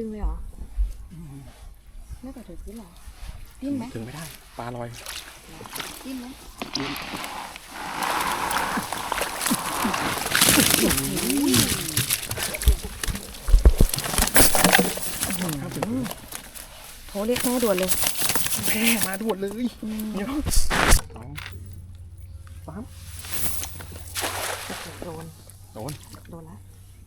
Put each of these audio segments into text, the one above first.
งเลยเหรอไม่กระเถิบขึ้นหรอดิ้นไหมถึงไม่ได้ปลาลอยดิ้นไหมโทรเรียกแม่ด่วนเลยแม่มาด่วนเลยเดี๋ยวปั๊มโดนแล้ว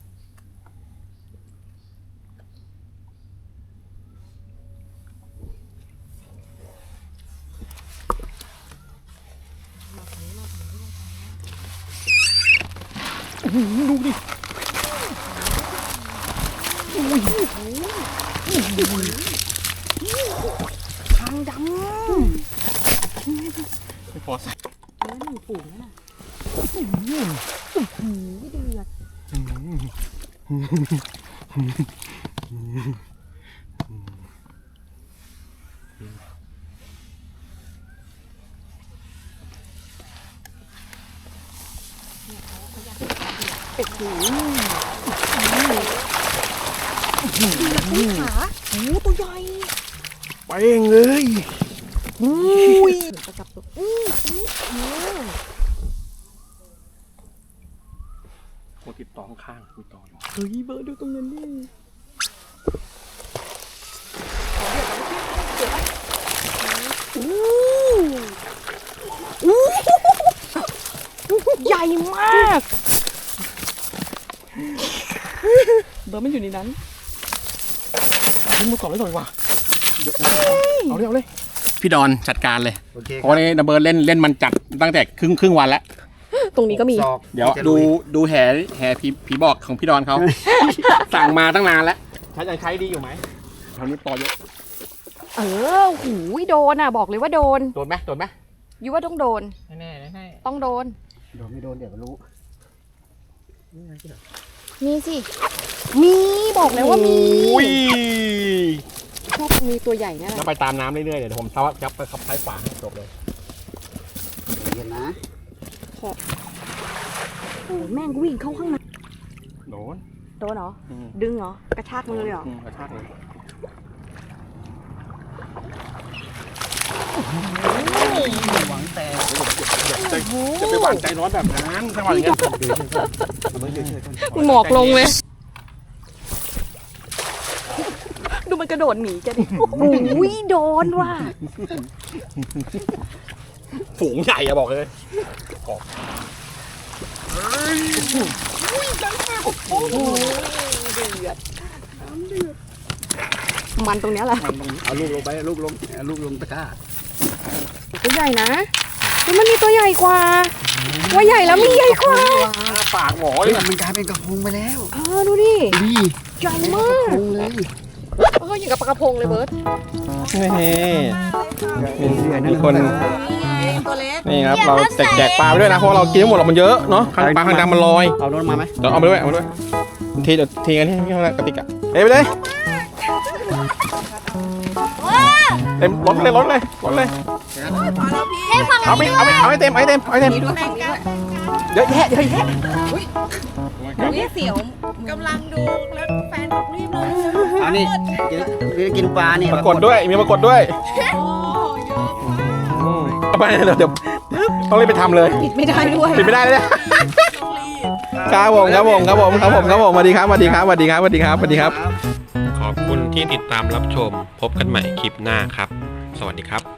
ดูดิทางดำไม่พอใส่แล้วหนูฝูงนั่นน่ะไม่เดือดโอ้โหขาโอ้ตัวใหญ่ไปเองเลยอุ้ยประจับตัวโคติดต่อข้างมีต่อเฮ้ยเบิร์ดดูตรงนั้นดิใหญ่มากเบิร์ดมันอยู่ในนั้นทิ้งมือก่อนเลยหน่อยว่ะเอาเลยพี่ดอนจัดการเลยเพราะนี่ดับเบิลเล่นมันจัดตั้งแต่ครึ่งวันแล้วตรงนี้ก็มีเดี๋ยวดูแห่ผีบอกของพี่ดอนเขาสั่งมาตั้งนานแล้วใช้ดีอยู่ไหมตอนนี้ต่อเยอะหูยโดนอ่ะบอกเลยว่าโดนไหมยูว่าต้องโดนแน่ต้องโดนไม่โดนเดี๋ยวรู้มีสิมีบอกแล้วว่ามีชอบมีตัวใหญ่นะแล้วไปตามน้ำเรื่อยๆเดี๋ยวผมจับไปขับท้ายฝาให้จบเลยเย็นนะโอ้แม่งวิ่งเข้าข้างในโดนเหรอดึงเหรอกระชากมือเลยเหรอกระชากเลยหวังแต่จะไปหวานใจร้อนแบบนั้นจังหวะอย่างเงี้ยหมอกลงเลยดูมันกระโดดหนีจะดิโอ้ยโดนว่ะฝูงใหญ่อะบอกเลยมันตรงนี้แหละเอาลูกลงไปลูกลงตะกร้าตัวใหญ่นะมันมีตัวใหญ่กว่าใหญ่แล้วมีใหญ่กว่าปากหมอเลยมันกลายเป็นกระพงไปแล้วดูดิใหญ่มากเลยอย่างกับปลากระพงเลยเบิร์ตมีคนนี่ครับเราแจกปลาไปด้วยนะเพราะเรากินหมดหรอกมันเยอะเนาะปลาคางดำมันลอยเอาโน้นมาไหมเดี๋ยวเอาไปด้วยทีกันที่กระติกอะไปเลยเต็มรถเลยเอาให้เต็มเยอะแยะนี่เสียวกำลังดูแล้วแฟนบอกรีบเลยอันนี้จะกินปลาเนี่ยปรากฏด้วยมีปรากฏด้วยไปเดี๋ยวต้องรีบไปทำเลยปิดไม่ได้ด้วยปิดไม่ได้เลยครับผมสวัสดีครับขอบคุณที่ติดตามรับชมพบกันใหม่คลิปหน้าครับสวัสดีครับ